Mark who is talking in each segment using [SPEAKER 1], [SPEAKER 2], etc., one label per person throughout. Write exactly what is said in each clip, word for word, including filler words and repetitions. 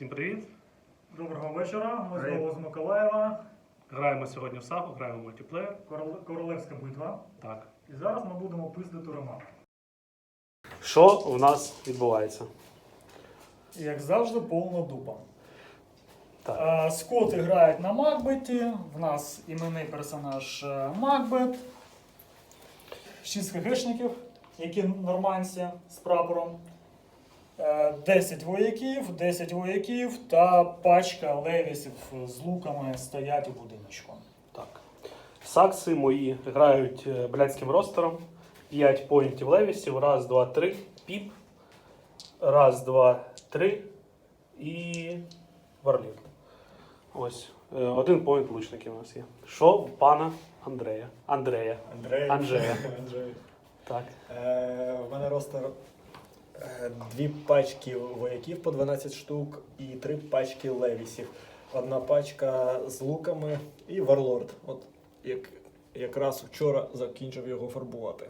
[SPEAKER 1] Всім привіт!
[SPEAKER 2] Доброго вечора, ми
[SPEAKER 1] Привіт.
[SPEAKER 2] знову з Миколаєва.
[SPEAKER 1] Граємо сьогодні в сагу, граємо в мультиплеєр.
[SPEAKER 2] Корол- Королевська битва.
[SPEAKER 1] Так.
[SPEAKER 2] І зараз ми будемо пиздити Романа.
[SPEAKER 1] Що у нас відбувається?
[SPEAKER 2] Як завжди, повна дупа.
[SPEAKER 1] Так.
[SPEAKER 2] А, Скоти грають на Макбеті. В нас іменний персонаж е, Макбет. шість хгшників, які норманці з прапором. Е, десять вояків, десять вояків та пачка левісів з луками стоять у будиночку.
[SPEAKER 1] Так. Сакси мої грають е, блядським ростером. п'ять поінтів левісів. Раз, два, три. Піп. Раз, два, три. І варлів. Ось. Е, Один поінт лучників у нас є. Що в пана Андрея? Андрея.
[SPEAKER 3] Андрей.
[SPEAKER 1] Анджея.
[SPEAKER 3] Анджей.
[SPEAKER 1] Так.
[SPEAKER 3] Е, в мене ростер е, дві пачки вояків по дванадцять штук і три пачки левісів. Одна пачка з луками і варлорд. От як, якраз вчора закінчив його фарбувати.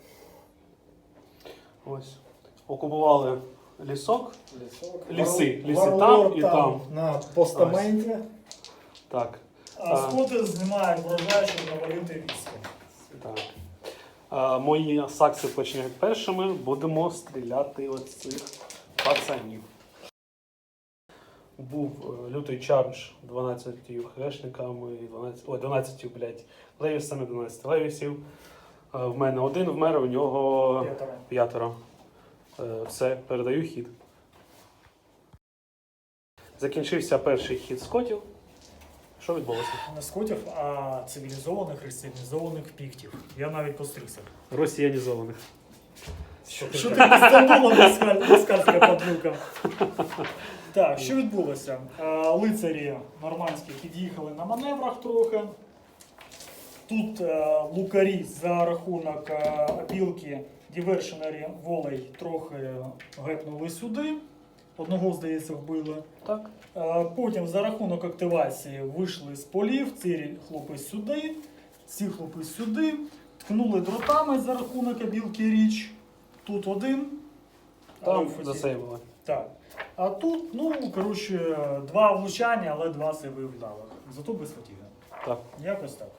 [SPEAKER 1] Ось. Окупували лісок.
[SPEAKER 3] Лісок.
[SPEAKER 1] Ліси. Ліси
[SPEAKER 3] Варлорд
[SPEAKER 1] там і там.
[SPEAKER 3] На постаменті.
[SPEAKER 1] Так.
[SPEAKER 2] А скоти знімають врожай, щоб навалити військо.
[SPEAKER 1] Так. А, мої сакси почнуть першими. Будемо стріляти от цих пацанів. Був е, лютий чардж дванадцятью хрешниками, дванадцять, ой, дванадцятью, блядь, левісами, дванадцять левісів. А, в мене один вмер, у нього
[SPEAKER 2] П'ятеро.
[SPEAKER 1] п'ятеро. Е, все, передаю хід. Закінчився перший хід скотів. Що відбулося?
[SPEAKER 2] Не скотів, а цивілізованих, християнізованих піктів. Я навіть постригся.
[SPEAKER 1] Росіянізованих.
[SPEAKER 2] Що ти Стамбула москальська падлюка? Так, що відбулося? Е, Лицарі нормандські під'їхали на маневрах трохи. Тут е, лукарі за рахунок е, опілки дівершенері волей трохи гепнули сюди. Одного, здається, вбили.
[SPEAKER 1] Так.
[SPEAKER 2] Е, Потім за рахунок активації вийшли з полів, ці хлопи сюди, ці хлопи сюди, ткнули дротами за рахунок обілки річ. Тут один.
[SPEAKER 1] Там
[SPEAKER 2] Альфа-ті.
[SPEAKER 1] засейвили.
[SPEAKER 2] Так. А тут, ну, коротше, два влучання, але два сейви вдалих. Зато без фатіги.
[SPEAKER 1] Так.
[SPEAKER 2] Якось так.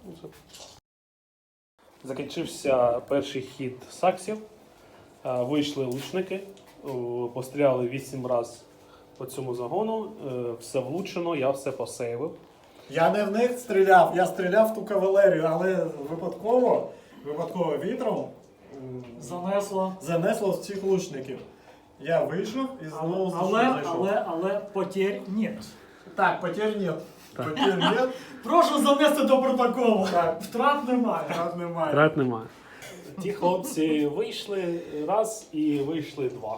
[SPEAKER 1] Закінчився перший хід саксів. Е, Вийшли лучники, о, постріляли вісім разів по цьому загону. Е, Все влучено, я все посейвив.
[SPEAKER 3] Я не в них стріляв, я стріляв в ту кавалерію, але випадково, випадково вітром м,
[SPEAKER 2] Занесло.
[SPEAKER 3] занесло в цих лучників. Я вийшов і знову
[SPEAKER 2] Але,
[SPEAKER 3] зайшов.
[SPEAKER 2] але, але потерь нет.
[SPEAKER 3] Так, потерь нет. Потерь нет.
[SPEAKER 2] Прошу занести до протоколу.
[SPEAKER 3] Так.
[SPEAKER 2] Втрат немає.
[SPEAKER 3] Раз немає.
[SPEAKER 1] Трат немає. Ті хлопці вийшли раз і вийшли два.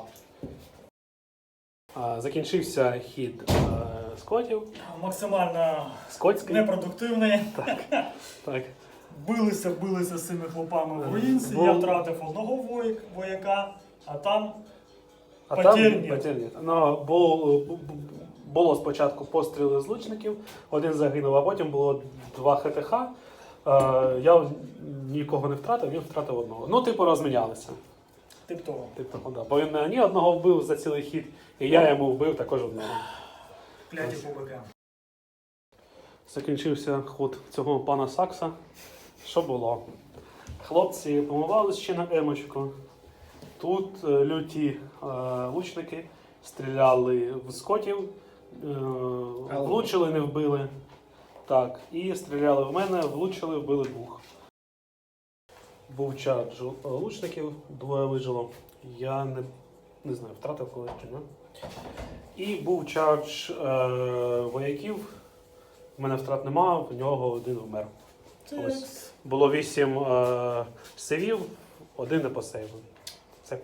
[SPEAKER 1] Е, Закінчився хід е, скотів.
[SPEAKER 2] Максимально
[SPEAKER 1] Скотський.
[SPEAKER 2] непродуктивний.
[SPEAKER 1] Так.
[SPEAKER 2] Билися, билися з цими хлопами в руїнці.
[SPEAKER 1] Бо-
[SPEAKER 2] Я втратив одного воя- вояка, а там
[SPEAKER 1] А
[SPEAKER 2] Потерь
[SPEAKER 1] там
[SPEAKER 2] нет.
[SPEAKER 1] потерь нет. Ну, було, було спочатку постріли з лучників, один загинув, а потім було два ХТХ. Е, я нікого не втратив, він втратив одного. Ну, типу, розмінялися.
[SPEAKER 2] тип того.
[SPEAKER 1] Типу, да. Бо він мені одного вбив за цілий хід, і я йому вбив також одного.
[SPEAKER 2] Кляті побика.
[SPEAKER 1] Закінчився ход цього пана Сакса. Що було? Хлопці помивались ще на емочку. Тут е, люті е, лучники стріляли в скотів, е, влучили, не вбили. Так, і стріляли в мене, влучили, вбили двох. Був чардж лучників, двоє вижило. Я не, не знаю, втратив когось чи ні. І був чардж е, вояків. У мене втрат нема, в нього один вмер. Ось. Було вісім е, сейвів, один не посейвив. Це.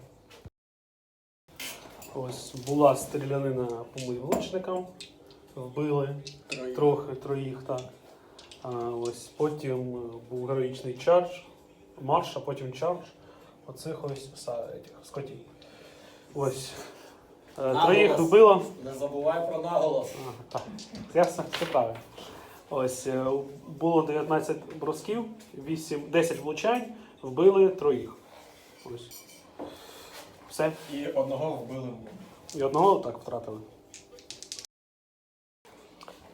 [SPEAKER 1] Ось була стрілянина по моїм лучникам. Вбили
[SPEAKER 3] Троїх.
[SPEAKER 1] трохи, троїх, так. А, ось потім був героїчний чардж, марш, а потім чардж. Оцих ось са- етих, скотів. Ось. Е, Троїх вбило.
[SPEAKER 3] Не забувай про наголос.
[SPEAKER 1] Ага, так. Я все, все правильно. Ось е, було дев'ятнадцять бросків, вісім, десять влучань, вбили троїх. Ось. Все.
[SPEAKER 3] І одного вбили.
[SPEAKER 1] І одного так втратили.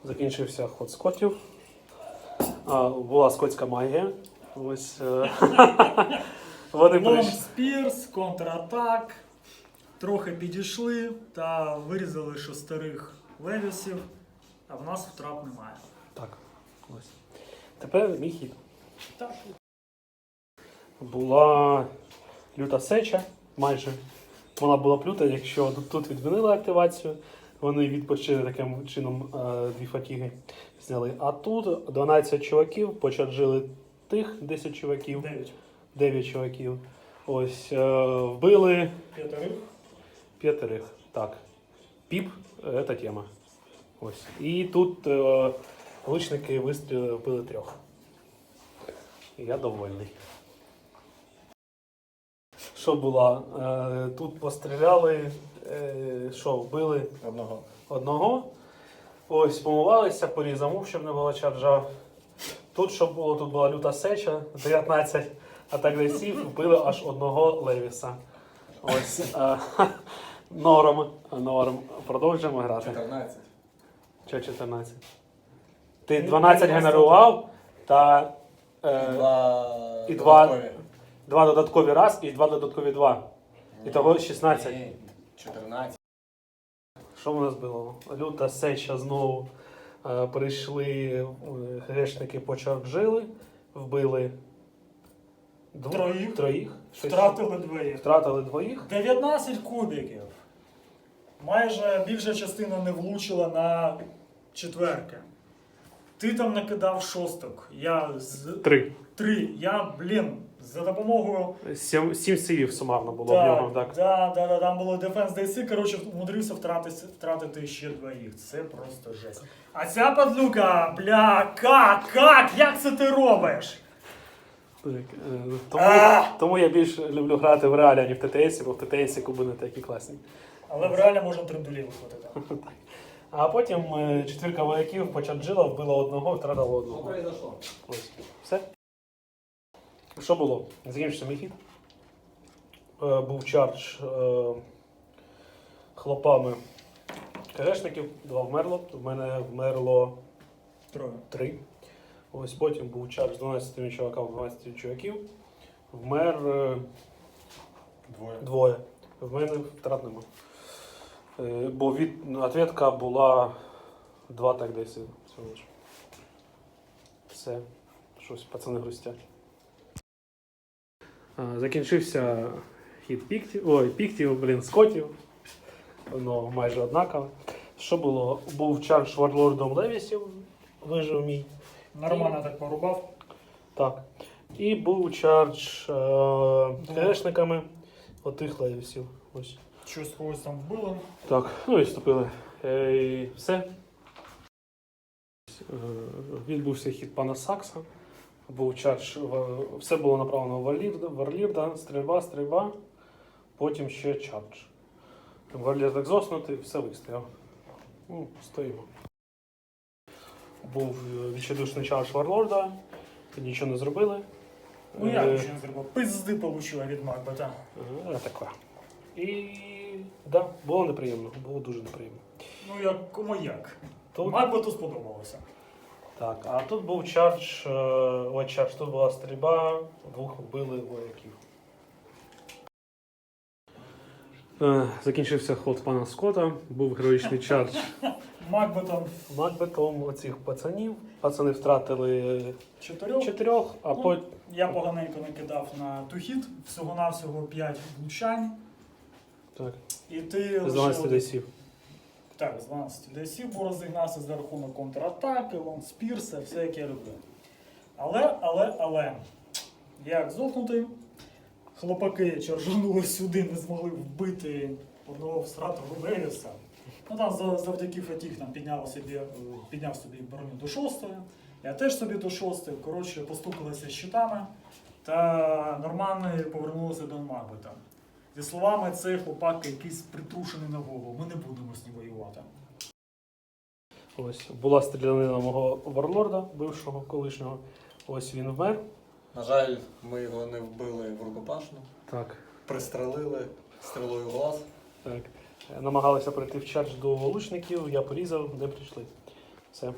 [SPEAKER 1] Закінчився ход скотів. А, була скотська магія. Ось. е, Вони
[SPEAKER 2] Лонг
[SPEAKER 1] прийшли.
[SPEAKER 2] спірс, контратак. Трохи підійшли та вирізали шестерих левісів, а в нас втрат немає.
[SPEAKER 1] Так. Ось. Тепер мій хід.
[SPEAKER 2] Так.
[SPEAKER 1] Була люта сеча, майже. Вона була б люта, якщо тут відмінили активацію, вони відпочили таким чином е, дві фатіги зняли. А тут дванадцять чуваків, почарджили тих десять чуваків,
[SPEAKER 2] Дев'ять.
[SPEAKER 1] дев'ять чуваків. Ось, е, вбили
[SPEAKER 2] П'ятерих.
[SPEAKER 1] п'ятерих. Так. Піп, е, це тема. Ось. І тут е, лучники вистрілили, вбили трьох. Я довольний. Що було? Е, тут постріляли, е, що, вбили
[SPEAKER 3] Одного.
[SPEAKER 1] одного. Ось, помивалися, порізав, щоб не було чарджа. Тут що було? Тут була люта сеча, дев'ятнадцять атак десів, вбили аж одного Левіса. Ось. Е, норм. Норм. Продовжуємо грати.
[SPEAKER 3] чотирнадцять.
[SPEAKER 1] Чи чотирнадцять? Ти дванадцять генерував та е,
[SPEAKER 3] Два.
[SPEAKER 1] і два-
[SPEAKER 3] додаткові.
[SPEAKER 1] два додаткові раз і два додаткові два. І того шістнадцять.
[SPEAKER 3] Ні, чотирнадцять.
[SPEAKER 1] Що в нас було? Люта сеча знову. Е, прийшли е, грешники, почарджили, вбили двох,
[SPEAKER 2] Троїх.
[SPEAKER 1] троїх щось-
[SPEAKER 2] Втратили двоїх.
[SPEAKER 1] втратили двоїх.
[SPEAKER 2] дев'ятнадцять кубиків. Майже більша частина не влучила на четверки. Ти там накидав шосток. Я з
[SPEAKER 1] Три.
[SPEAKER 2] три. Я, блін, за допомогою.
[SPEAKER 1] Сім, сім сивів сумарно було в нього.
[SPEAKER 2] Так,
[SPEAKER 1] Так.
[SPEAKER 2] да, да, да, там було Defense ді сі, коротше, умудрився втратити, втратити ще двоїх. Це просто жесть. А ця падлюка, бля, как, как, як це ти робиш?
[SPEAKER 1] Так, е, тому,
[SPEAKER 2] А!
[SPEAKER 1] тому я більше люблю грати в реалі, а не в ті ти есі, бо в ті ти есі куби не такі класні.
[SPEAKER 2] Але в реалі можна трендулі виходити.
[SPEAKER 1] А потім е, четвірка вояків почарджила, вбила одного, втратила одного.
[SPEAKER 3] произошло?
[SPEAKER 1] Ось. Все. Що було? Закінчився мій хід. Е, був чардж е, хлопами КГшників, два вмерло. В мене вмерло
[SPEAKER 2] Троє.
[SPEAKER 1] три. Ось потім був чардж з дванадцяти чуваків, дванадцяти чуваків. Вмер е,
[SPEAKER 3] Двоє.
[SPEAKER 1] двоє. В мене втрат нема. Е, бо від, ответка була два так десь. всього лиш. Все. Щось пацани грустять. А, закінчився хід піктів. Ой, піктів, блін, скотів. Воно майже однакове. Що було? Був чардж варлордом Левісів, вижив мій.
[SPEAKER 2] Нормально так порубав.
[SPEAKER 1] Так. І був чардж е, КГшниками отих Левісів. Ось.
[SPEAKER 2] Щось когось там вбило.
[SPEAKER 1] Так, ну і вступили. Е, і все. Е, відбувся хід пана Сакса. Був чардж, в- все було направлено в Варлірда, Варлірда, стрільба, стрільба, потім ще чардж. Варлірд так зоснутий, все вистояв. Ну, стоїмо. Був е, відчайдушний чардж Варлорда, нічого не зробили.
[SPEAKER 2] Ну як
[SPEAKER 1] Е,
[SPEAKER 2] нічого не зробив? Пизди получила від Макбета.
[SPEAKER 1] е, таке. І да, було неприємно, було дуже неприємно.
[SPEAKER 2] Ну як кому як.
[SPEAKER 1] Тут,
[SPEAKER 2] Макбету сподобалося.
[SPEAKER 1] так, а тут був чардж, е, ой, чардж, тут була стрільба, двох вбили вояків. Е, Закінчився ход пана Скотта, був героїчний чардж
[SPEAKER 2] Макбетом
[SPEAKER 1] Макбетом оцих пацанів. Пацани втратили
[SPEAKER 2] чотирьох.
[SPEAKER 1] чотирьох, а
[SPEAKER 2] Ну,
[SPEAKER 1] потім
[SPEAKER 2] Я поганенько накидав на тухіт, всього-навсього п'ять влучань.
[SPEAKER 1] так,
[SPEAKER 2] І ти
[SPEAKER 1] з дванадцяти десів.
[SPEAKER 2] Так, з дванадцяти десів, бо розігнався за рахунок контратаки, лонгспірса, все як я люблю. Але, але, але, як зокнутий, хлопаки чаржанули сюди, не змогли вбити одного всратого Левіса. Ну там за- завдяки Фатіх там підняв собі, е, підняв собі броню до шостої, я теж собі до шостої, коротше, постукалися щитами та нормально повернулися до Макбета. Зі словами, цей хлопак якийсь притрушений на голову, ми не будемо з ним воювати.
[SPEAKER 1] Ось була стрілянина мого варлорда, бившого колишнього. Ось він вмер.
[SPEAKER 3] На жаль, ми його не вбили в рукопашну.
[SPEAKER 1] Так.
[SPEAKER 3] Пристрелили стрілою в глаз.
[SPEAKER 1] Так. Намагалися прийти в чардж до лучників, я порізав, не прийшли. Все. Е,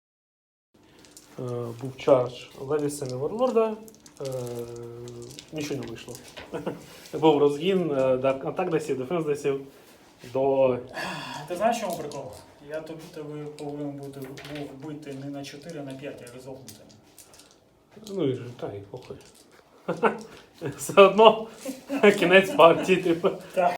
[SPEAKER 1] був чардж Левіса і Варлорда. Е, нічого не вийшло. Був розгін е, атак десів, дефенс десів до.
[SPEAKER 2] Ти знаєш, чому прикол? Я тобі тебе повинен бути був бити не на чотири, а на п'ять, а розогнути.
[SPEAKER 1] Ну і ж, та й похуй. Все одно кінець партії, типу.
[SPEAKER 2] Так.